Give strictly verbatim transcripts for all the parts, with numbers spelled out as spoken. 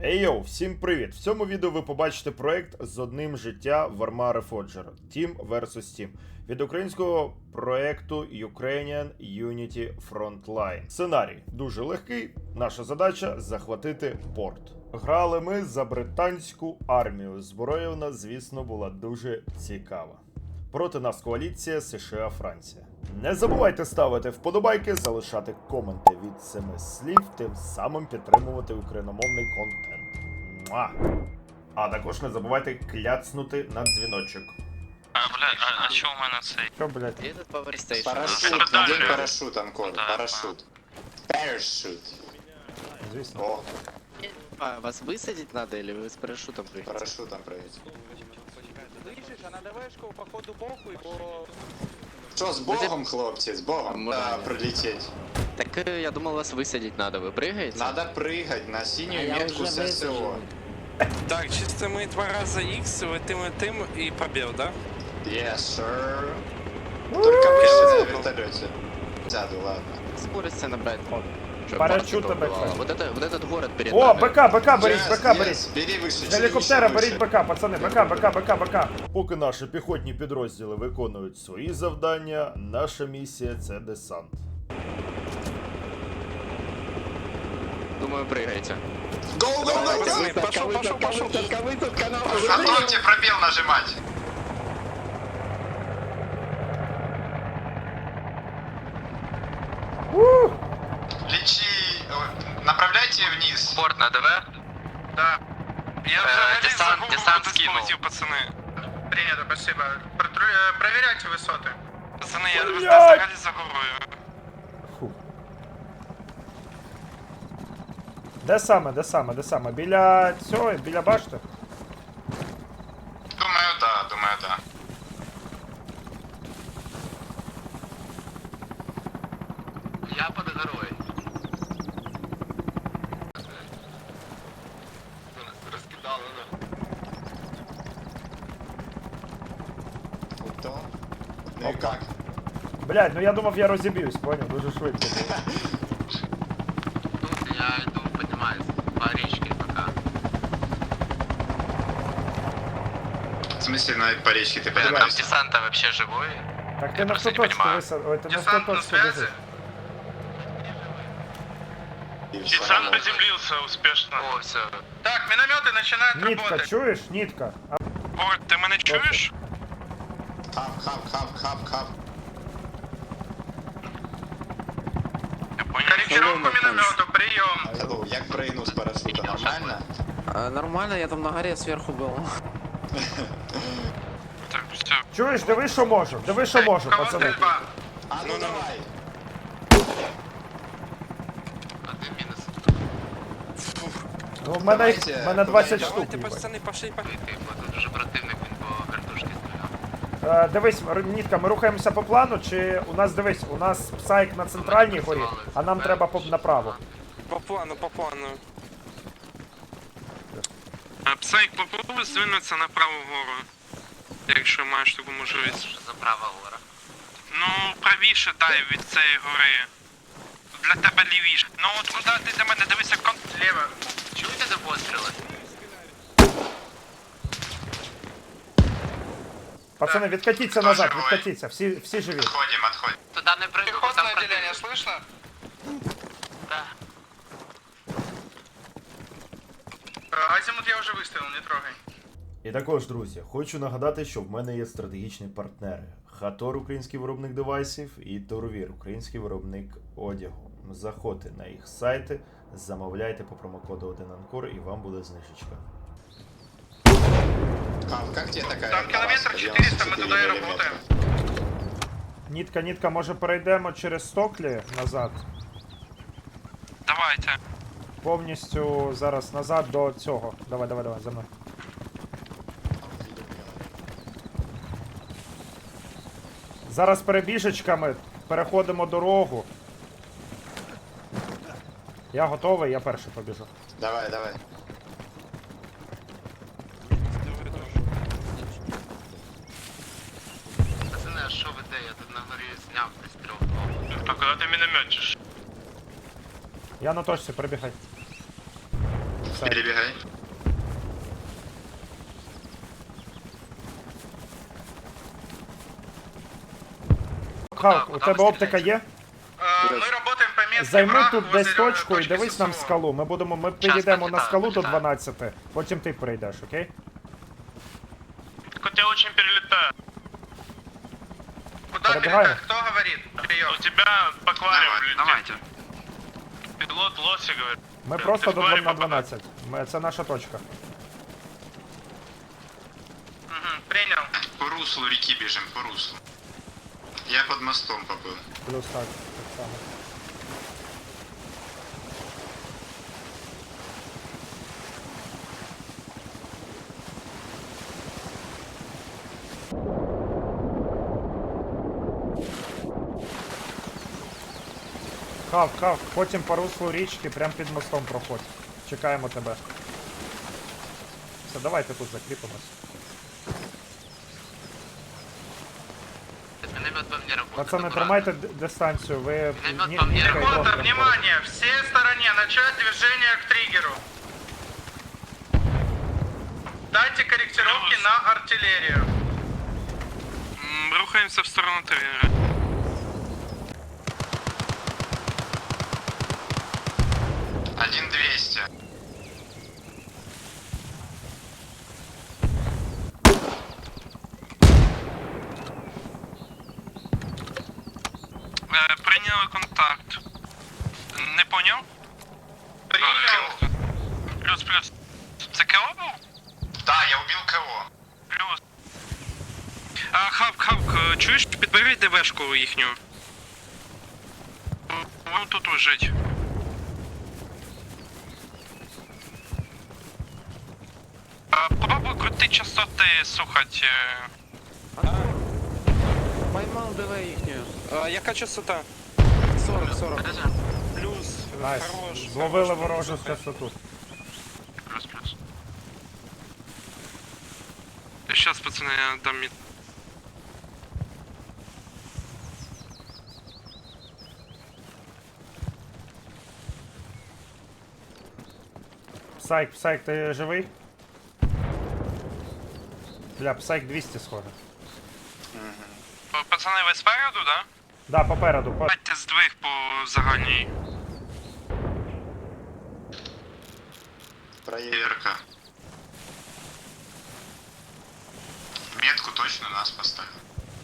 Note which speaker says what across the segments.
Speaker 1: Ей йоу, всім привіт! В цьому відео ви побачите проект з одним життя Warma Reforger Team версус. Team від українського проекту Ukrainian Unity Frontline. Сценарій дуже легкий. Наша задача захватити порт. Грали ми за британську армію. Зброя в нас, звісно, була дуже цікава. Проти нас коаліція США-Франція. Не забувайте ставити вподобайки, залишати коменти від семи слів, тим самим підтримувати україномовний контент. Муа! А також не забувайте кляцнути на дзвіночок.
Speaker 2: А, блядь, а, а чё у мене цей?
Speaker 1: Що, блядь?
Speaker 3: Этот Power Station.
Speaker 2: Парашют,
Speaker 4: Парашют, надень парашют, Анкор,
Speaker 2: Да.
Speaker 4: парашют. Парашют.
Speaker 1: Звісно.
Speaker 4: О,
Speaker 3: А, вас высадить надо или вы с парашютом прыгаете?
Speaker 4: парашютом прыгать.
Speaker 5: Слышишь, а на ДВшку по ходу боку и по...
Speaker 4: Что, с богом, хлопцы, с богом?
Speaker 3: Можно
Speaker 4: Да,
Speaker 3: нет.
Speaker 4: пролететь.
Speaker 3: Так э, я думал, вас высадить надо. Вы прыгаете?
Speaker 4: Надо прыгать на синюю метку с СО.
Speaker 6: Так, чисто мы два раза X, вы тым и тым и побил, да?
Speaker 4: Yes, sir. Только выше на вертолете. Сяду, ладно.
Speaker 3: Скорость набрать. Чтоб
Speaker 1: Парашют
Speaker 3: Марка
Speaker 1: БК.
Speaker 3: убивала. Вот, это, вот этот город перед
Speaker 1: О,
Speaker 3: нами.
Speaker 1: БК, БК беріть,
Speaker 4: Yes,
Speaker 1: БК
Speaker 4: yes,
Speaker 1: беріть!
Speaker 4: бери выше,
Speaker 1: З гелікоптера
Speaker 4: еще
Speaker 1: беріть
Speaker 4: выше.
Speaker 1: БК, пацани, БК, БК, БК, БК, БК. Поки наші піхотні підрозділи виконують свої завдання, наша місія – це десант.
Speaker 3: Думаю, прыгаете.
Speaker 4: Go, go, go,
Speaker 6: Пацаны,
Speaker 4: go!
Speaker 6: пошел, пошел, пошел.
Speaker 4: Готовьте пробел нажимать.
Speaker 1: Ух!
Speaker 4: Лечи, ой, направляйте вниз.
Speaker 2: Борт на ДВ?
Speaker 6: Да. Я
Speaker 2: Э,
Speaker 6: взагалі
Speaker 2: десант-
Speaker 6: за голову
Speaker 2: десант
Speaker 6: не
Speaker 2: скинул.
Speaker 6: сполетів, пацани.
Speaker 5: Принято, спасибо. Протру- э, Проверяйте высоты.
Speaker 6: Пацани, я
Speaker 1: Блядь!
Speaker 6: взагалі за горою.
Speaker 1: Фу. Де саме, де саме, де саме? Біля цього, біля башти?
Speaker 4: Думаю, да, думаю, да.
Speaker 2: Я под горой. Раскидал,
Speaker 4: Ото. Ну и как?
Speaker 1: Блядь, ну я думав, я розіб'юсь, поняв, дуже швидко.
Speaker 2: Тут я иду, поднимаюсь по речке пока.
Speaker 4: В смысле, на по речке ты
Speaker 2: Блин, там
Speaker 4: поднимаешься?
Speaker 2: десанта вообще живой?
Speaker 1: Так ти
Speaker 2: Я
Speaker 1: на
Speaker 2: просто
Speaker 1: сто
Speaker 2: не
Speaker 1: точку
Speaker 2: понимаю.
Speaker 1: висад... Ой, ти на сто
Speaker 5: Десант на
Speaker 1: точку
Speaker 5: связи?
Speaker 1: висад...
Speaker 4: И
Speaker 6: Десант
Speaker 4: всё.
Speaker 6: приземлился успешно.
Speaker 2: О, все.
Speaker 5: Так, минометы начинают
Speaker 1: Нітка,
Speaker 5: работать.
Speaker 1: чуєш? Нітка. А,
Speaker 6: Борт, ти мене чуєш?
Speaker 4: Хап, хап, хап, хап, хап.
Speaker 6: Я понял.
Speaker 5: Корректировку миномету, прием.
Speaker 4: Hello, як прыгнул с парашюта, нормально?
Speaker 7: А, нормально, я там на горе сверху был.
Speaker 6: Так, все.
Speaker 1: чуєш, диви, що можу, диви, що можу,
Speaker 5: У кого
Speaker 1: пацани.
Speaker 5: стрельба?
Speaker 4: А ну давай.
Speaker 2: Один мінус.
Speaker 1: Ну, в мене,
Speaker 4: Давайте,
Speaker 1: в мене двадцять
Speaker 4: давайте,
Speaker 1: штук.
Speaker 6: Давайте,
Speaker 1: їбать.
Speaker 6: пацани, пошли, пошли.
Speaker 2: Ти, бо тут уже противник, він по картошці стріляв.
Speaker 1: Е, дивись, Р- Нітка, ми рухаємося по плану, чи у нас, дивись, у нас псайк на центральній горі, а нам треба по- направо.
Speaker 6: По плану, по плану. Псайк, попробуй звинутися на праву гору. Якщо маєш таку можливість.
Speaker 2: Що за права гора?
Speaker 6: Ну, правіше дай від цієї гори. Для тебе лівіше. Ну от куди ти для мене дивися кон...
Speaker 5: Лево.
Speaker 2: Чуєте за постріли?
Speaker 1: Пацани, відкатіться
Speaker 4: Хто
Speaker 1: назад,
Speaker 4: живий?
Speaker 1: відкатіться, всі, всі живі.
Speaker 4: Отходим, отходим.
Speaker 2: Туди не прийду, бо там
Speaker 5: Пехотное отделение,
Speaker 2: противник.
Speaker 5: слышно?
Speaker 2: Да.
Speaker 5: Э, Азимут я уже выставил, не трогай.
Speaker 1: І також, друзі, хочу нагадати, що в мене є стратегічні партнери. Хатор, український виробник девайсів, і Торовір, український виробник одягу. Заходьте на їх сайти, замовляйте по промокоду один Анкор і вам буде знижечка.
Speaker 4: Хап, как тебе такая?
Speaker 5: Там километр четыреста, мы туда и работаем.
Speaker 1: Нітка, Нітка, може перейдемо через Стоклі назад?
Speaker 6: Давайте.
Speaker 1: Повністю зараз назад до цього. Давай, давай, давай, за мною. Зараз перебіжечками переходимо дорогу. Я готовий, я перший побіжу.
Speaker 4: Давай, давай.
Speaker 2: Пацани, а що ви де? Я тут на горі зняв пристріл.
Speaker 6: А куди ти мінометчиш?
Speaker 1: Я на точці, перебігай. сайт.
Speaker 4: Перебегай.
Speaker 1: Халк, у
Speaker 2: куди
Speaker 1: тебе
Speaker 2: ви
Speaker 1: оптика є?
Speaker 6: Ми працюємо по місці.
Speaker 1: Займи тут десь точку і дивись нам скалу. Ми будемо, ми підійдемо на
Speaker 2: покидаю,
Speaker 1: скалу до
Speaker 2: покидаю.
Speaker 1: дванадцяти, потім ти прийдеш, окей?
Speaker 6: Тебя очень перелетаю. Куда
Speaker 1: Пробегаем.
Speaker 6: перелетать? Кто говорит? Прием. У тебя по аквариуму летит.
Speaker 2: Давайте.
Speaker 6: Пилот Лоси говорит.
Speaker 1: Ми
Speaker 6: Ти
Speaker 1: просто
Speaker 6: в
Speaker 1: до
Speaker 6: акваріум
Speaker 1: на
Speaker 6: попадай.
Speaker 1: дванадцять. Ми, це наша точка.
Speaker 6: Угу, принял.
Speaker 4: По руслу реки бежим, по руслу. Я под мостом побыл.
Speaker 1: Плюс так, так само. Хав, хав, потім по руслу річки, прям під мостом проходь. Чекаємо тебе. Все, давайте тут закріпимось.
Speaker 2: Миномет по мне работает.
Speaker 1: Пацани,
Speaker 2: аккуратно.
Speaker 1: тримайте д- дистанцію, ви...
Speaker 2: Міномет
Speaker 1: ні-
Speaker 2: по мені
Speaker 1: нікайте
Speaker 2: работает.
Speaker 1: просто.
Speaker 6: внимание! Все стороне, начать движение к триггеру. Дайте корректировки на артиллерию.
Speaker 8: Рухаемся в сторону триггера.
Speaker 4: Один двести.
Speaker 8: Е, Прийняли контакт. Не поняв?
Speaker 6: Принял.
Speaker 8: Плюс, плюс. Це КО був?
Speaker 4: Да, я убил кого?
Speaker 8: Плюс. А, Хавк, Хавк, е, чуєш, підбери ДВшку їхню. Вон тут лежить. А, Попробуй крути частоти слухать. е,
Speaker 7: Поймал ДВ ихнюю.
Speaker 5: А, яка частота?
Speaker 7: сорок, сорок.
Speaker 5: Плюс.
Speaker 1: Найс.
Speaker 5: Хорош.
Speaker 1: Зловили ворожу частоту.
Speaker 8: Плюс, плюс. Сейчас, пацаны, я дам мид.
Speaker 1: Псайк, Псайк, ти живий? Бля, Псайк двісті схоже.
Speaker 8: Пацаны, ви спереду, да?
Speaker 1: Да, попереду. По...
Speaker 8: Давайте здвиг по загальній.
Speaker 4: Проверка. Метку точно нас поставил.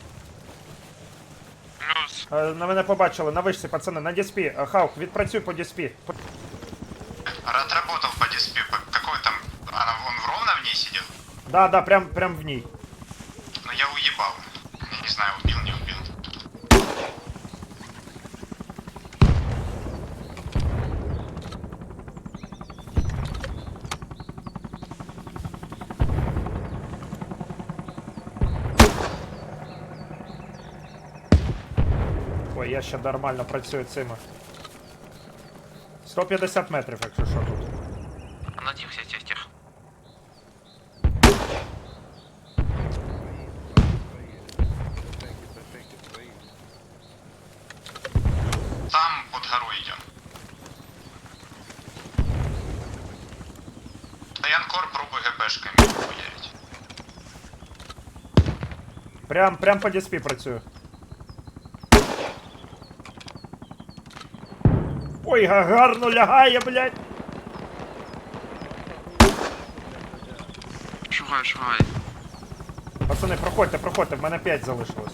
Speaker 8: Плюс.
Speaker 1: Е, На мене побачили, на вишці, пацани, на діспі. Е, Хаук, відпрацюй по діспі. По-
Speaker 4: Отработал по диспе. По- Какой там? Она, он ровно в ней сидел?
Speaker 1: Да, да, прям, прям в ній.
Speaker 4: Ну я уебал. Я не знаю, убил, не убил.
Speaker 1: Ой, я ще нормально працюю цими. сто п'ятдесят метрів, якщо що тут.
Speaker 2: На тих, тих, тих, тих.
Speaker 4: Там под горой идем. Янкор пробуй ГПшками хуярить.
Speaker 1: Прям, прям по діспі працюю. Ой, га- гарно лягає, блядь.
Speaker 8: Шугай, шугай.
Speaker 1: Пацани, проходьте, проходьте, в мене п'ять залишилось.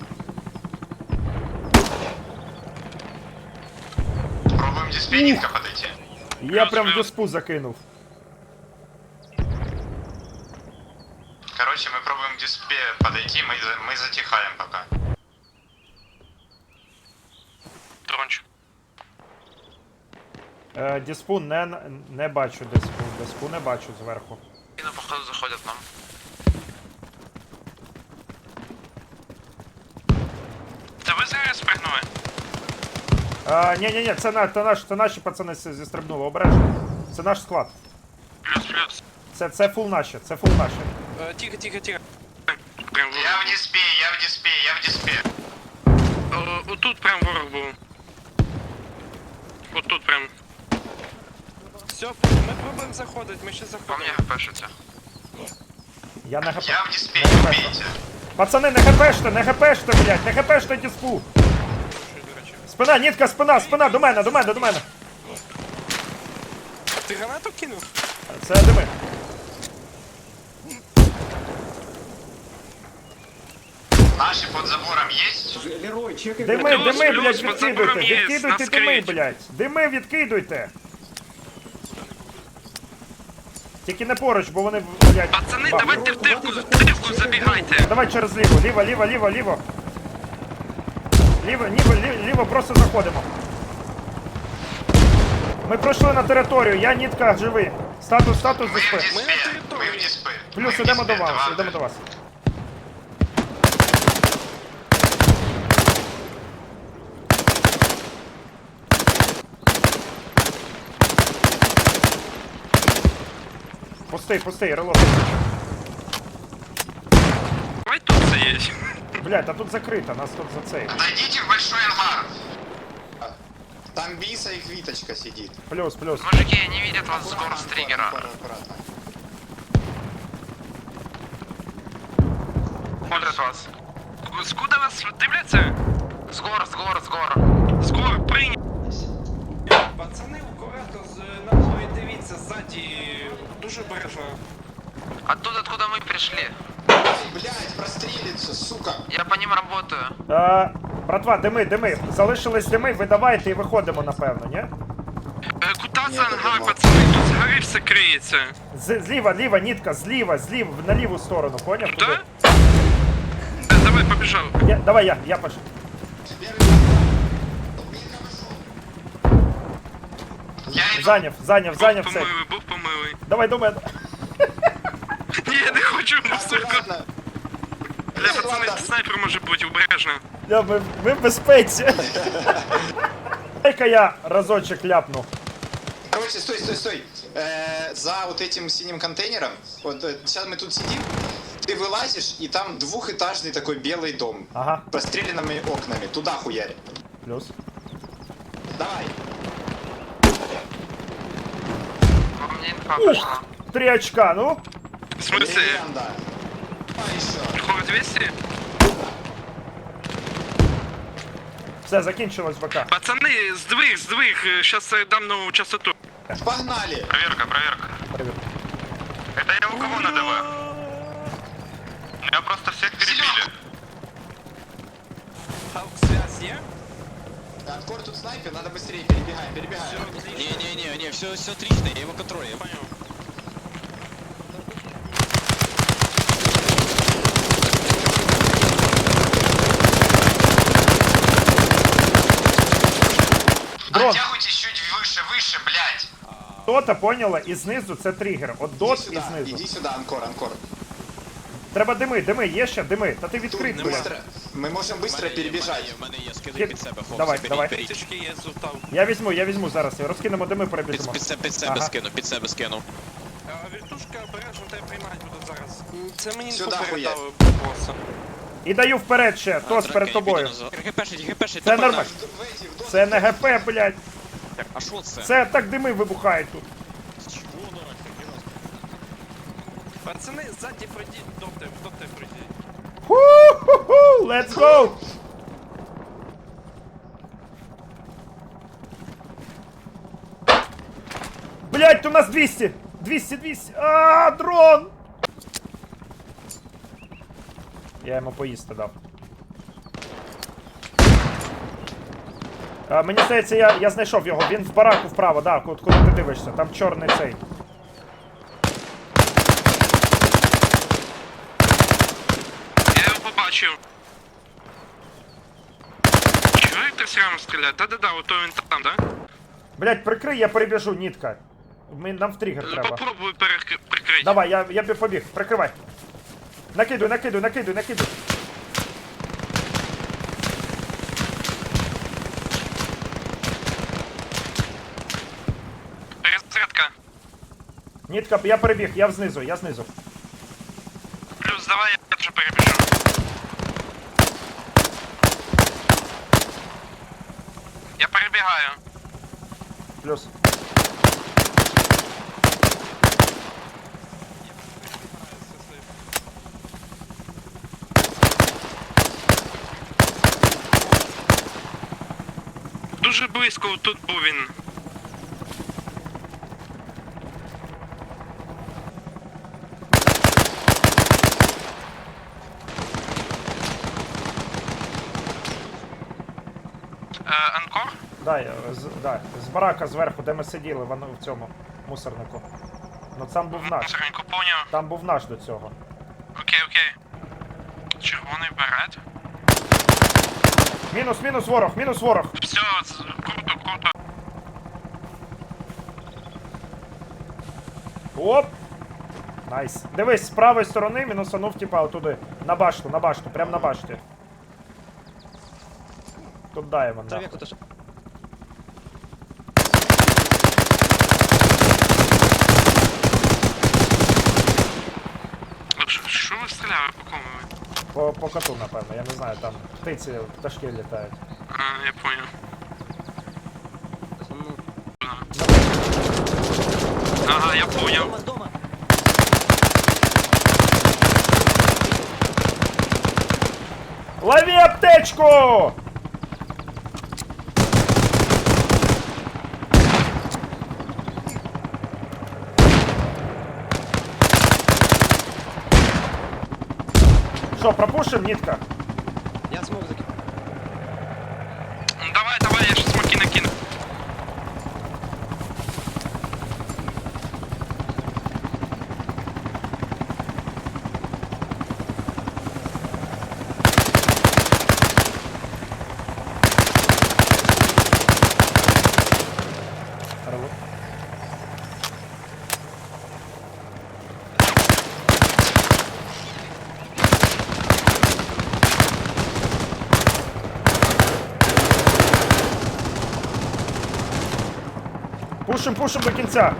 Speaker 4: Пробуем диспенника подойти.
Speaker 1: Я прям в діспу закинув.
Speaker 4: Короче, мы пробуем к диспе подойти, мы, за- мы затихаем пока.
Speaker 8: Дрончик.
Speaker 1: Е, діспу не, не бачу діспу. Діспу не бачу зверху.
Speaker 2: І на походу заходять нам.
Speaker 8: Та ви зараз спригнули?
Speaker 1: А, ні, ні, ні, це, на, це, наш, це наші пацани зі- зістрибнули, обережно. Це наш склад.
Speaker 8: Плюс, плюс.
Speaker 1: Це, це фул наші, це фул наші.
Speaker 5: Э, Тихо, тихо, тихо.
Speaker 8: Прям
Speaker 4: Я в
Speaker 8: ворог.
Speaker 4: диспе, я в диспе, я в диспе.
Speaker 8: О, отут прям ворог був. Отут прям. Все, ми пробуємо заходити, ми ще
Speaker 2: По
Speaker 8: заходимо.
Speaker 2: мне хпшится.
Speaker 1: Я на хп.
Speaker 4: Я в диспе,
Speaker 1: Не
Speaker 4: не
Speaker 1: хп.
Speaker 4: убейте.
Speaker 1: Пацани, не хпште, не хпште, блядь, не хпште диспу. Спина, нітка, спина, спина, до мене, до мене, до мене.
Speaker 8: Ти гранату кинув?
Speaker 1: Це дими.
Speaker 4: Наши под забором есть?
Speaker 1: Дими,
Speaker 8: Плюс,
Speaker 1: дими,
Speaker 8: плюс,
Speaker 1: блядь,
Speaker 8: під забором
Speaker 1: відкидуйте,
Speaker 8: є,
Speaker 1: відкидуйте
Speaker 8: нас
Speaker 1: дими,
Speaker 8: криють.
Speaker 1: блядь. Дими відкидуйте. Тільки не поруч, бо вони, блядь.
Speaker 8: Пацани,
Speaker 1: бах.
Speaker 8: давайте в дирку, в дирку забігайте.
Speaker 1: Давай через ліво, ліво, ліво, ліво, ліво. Ліво, ліво, ліво, ліво, просто заходимо. Ми пройшли на територію, я нітка живий. Статус, статус
Speaker 4: Мы
Speaker 1: ЗСП.
Speaker 4: в диспе, мы в диспе.
Speaker 1: Плюс
Speaker 4: Мы в
Speaker 1: ідемо
Speaker 4: диспе,
Speaker 1: до вас,
Speaker 4: это
Speaker 1: ідемо до вас. Пустий, пустий, релок.
Speaker 8: Давай тут це є.
Speaker 1: Блядь, а тут закрито, нас тут за цей.
Speaker 4: Отойдите в большой ангар. Там Биса и Квиточка сидит.
Speaker 1: Плюс, плюс.
Speaker 2: Мужики, не видят вас с гор с
Speaker 4: Аккуратно,
Speaker 2: триггера.
Speaker 4: аккуратно, аккуратно.
Speaker 2: Смотрят вас.
Speaker 8: Скуда вас дивляться?
Speaker 2: С гор, с гор, с гор.
Speaker 8: Скоро прийняв. Пацани, акуратно, на мові дивіться, ззаді, дуже обережно.
Speaker 2: Оттуда, откуда мы пришли.
Speaker 4: Блять, прострелится, сука.
Speaker 2: Я по ним работаю.
Speaker 1: Е, братва, дими, дими. Залишились дими, видавайте і виходимо, напевно, ні?
Speaker 8: Е, Куди
Speaker 4: Ні,
Speaker 8: це ангар,
Speaker 4: нема.
Speaker 8: пацани? Тут згори все криється.
Speaker 1: З, зліва, ліва, нітка, зліва, зліва, на ліву сторону, поняв?
Speaker 8: Куди?
Speaker 1: Туди.
Speaker 8: Е, Давай, побіжав.
Speaker 1: Я, давай я, я пошел.
Speaker 4: Я иду.
Speaker 1: Зайняв, зайняв,
Speaker 8: Бог
Speaker 1: зайняв все.
Speaker 8: помилуй, Бог помилуй.
Speaker 1: Давай до мене.
Speaker 8: Ні, я не хочу, сука.
Speaker 4: Аккуратно.
Speaker 8: Бля, пацани, снайпер може бути, обережно.
Speaker 1: Я, ми, ми в безпеці. Дай-ка я разочек ляпну.
Speaker 4: Короче, стой, стой, стой. Э, за вот этим синим контейнером, вот э, сейчас мы тут сидим, ты вылазишь, и там двухэтажный такой белый дом.
Speaker 1: Ага,
Speaker 4: С простреленными окнами. Туда хуярь.
Speaker 1: плюс.
Speaker 4: Давай.
Speaker 2: По мне инфа пошла.
Speaker 1: Три очка, ну.
Speaker 8: В смысле?
Speaker 4: Легенда. А еще.
Speaker 8: Хоррор двісті?
Speaker 1: Все, закінчилось ВК.
Speaker 8: Пацани, здвиг, здвиг, щас я дам нову частоту.
Speaker 4: Погнали.
Speaker 2: Проверка, проверка.
Speaker 1: Привіт.
Speaker 2: Это я у кого на ДВ? Я просто всех перебили.
Speaker 8: Халк, связь є?
Speaker 4: Анкор тут снайпер, надо быстрее, перебегаем, перебегаем.
Speaker 3: Не-не-не, все, все отлично, я его контролю.
Speaker 8: Понял.
Speaker 1: Дрон.
Speaker 4: Оттягивайтесь чуть выше, выше, блядь.
Speaker 1: Дота, поняла? І знизу це тригер. От
Speaker 4: Иди
Speaker 1: дот і
Speaker 4: сюда,
Speaker 1: знизу.
Speaker 4: иди сюда, Анкор, Анкор.
Speaker 1: Треба дими, дими, є ще дими. Та ти
Speaker 4: Тут
Speaker 1: відкрит,
Speaker 4: не
Speaker 1: блядь.
Speaker 4: быстро. Мы можем быстро перебежать.
Speaker 3: В мене є, скидай
Speaker 1: Під-
Speaker 3: під себе, хлопці,
Speaker 1: Давай,
Speaker 3: беріть,
Speaker 1: давай.
Speaker 3: беріть.
Speaker 8: Тички є, зутав.
Speaker 1: Я візьму, я візьму зараз. Розкинемо дими,
Speaker 3: Під,
Speaker 1: перебіжимо.
Speaker 3: під, себе- під себе
Speaker 1: Ага.
Speaker 3: скину, під себе скину.
Speaker 8: А, Віртушка обережно тебе приймати буде зараз. М, Це мені
Speaker 4: Сюди
Speaker 8: інфу
Speaker 4: хуя.
Speaker 8: передали боса.
Speaker 1: І даю вперед ще, тос перед тобою.
Speaker 3: ГПшить, гпшить,
Speaker 1: Це нормально.
Speaker 4: Вейди, в дом.
Speaker 1: Це не ГП, блядь.
Speaker 3: А що це?
Speaker 1: Це так дими вибухають тут.
Speaker 8: Пацани, ззаді пройдіть, доти, доти пройдіть.
Speaker 1: Ху-ху-ху, let's go! Блять, у нас двісті! двісті, двісті! А, дрон! Я йому поїсти дав. А, мені здається, я, я знайшов його. Він в бараку вправо, да, куди, куди ти дивишся. Там чорний цей.
Speaker 8: Я його побачив. Чого він так срам стріляє? Да-да-да, ото він там, да?
Speaker 1: Блять, прикрий, я перебіжу, нітка. Ми, нам в тригер треба.
Speaker 8: Попробуй перек- прикрити.
Speaker 1: Давай, я, я б побіг, прикривай. Накидуй, накидуй, накидуй, накидуй.
Speaker 8: Перезарядка.
Speaker 1: Нітка, я перебіг, я знизу, я знизу.
Speaker 8: Плюс, давай я вже перебіжу. Я перебігаю.
Speaker 1: Плюс.
Speaker 8: дуже близько, тут був він. Е, Анкор?
Speaker 9: Да, я- з, да, з барака зверху, де ми сиділи воно в цьому мусорнику. Ну там був наш.
Speaker 8: Мусоренько, поняв.
Speaker 9: Там був наш до цього.
Speaker 8: Окей, окей. Червоний берет.
Speaker 9: Мінус, мінус ворог, мінус ворог.
Speaker 8: Все, з- круто, круто.
Speaker 9: Оп! Найс. Дивись, з правої сторони мінусанув, типа, отуди. На башту, на башту, прям на башті. Тут даємо, да.
Speaker 8: Що- Що ви стріляли, по кому ви?
Speaker 9: По, по коту, напевно, я не знаю, там птиці, пташки літають.
Speaker 8: А, я понял. Ага, я понял.
Speaker 9: Лови аптечку! Що, пропушим, нитка?
Speaker 3: Я смог закинуть.
Speaker 8: Ну, давай, давай, я щас смоки накину.
Speaker 9: Пушим, пушим до кінця.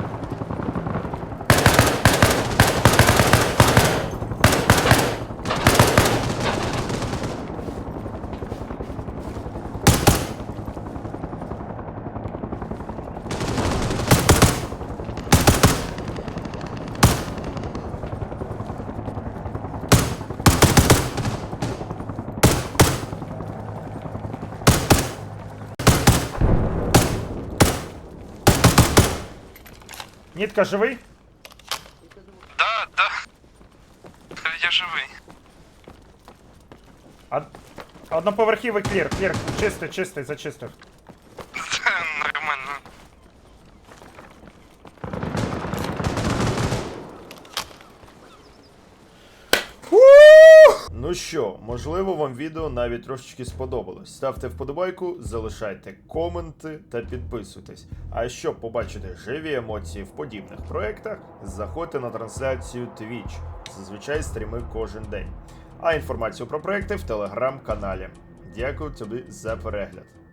Speaker 9: Нітка, живий?
Speaker 8: Да, да. Я живий.
Speaker 9: А... Одноповерхівий клір, клір, чистий, чистий, зачистив.
Speaker 8: Це нормально.
Speaker 1: Ну що, можливо, вам відео навіть трошечки сподобалось. Ставте вподобайку, залишайте коменти та підписуйтесь. А щоб побачити живі емоції в подібних проєктах, заходьте на трансляцію Twitch. Зазвичай стріми кожен день. А інформацію про проєкти в телеграм-каналі. Дякую тобі за перегляд.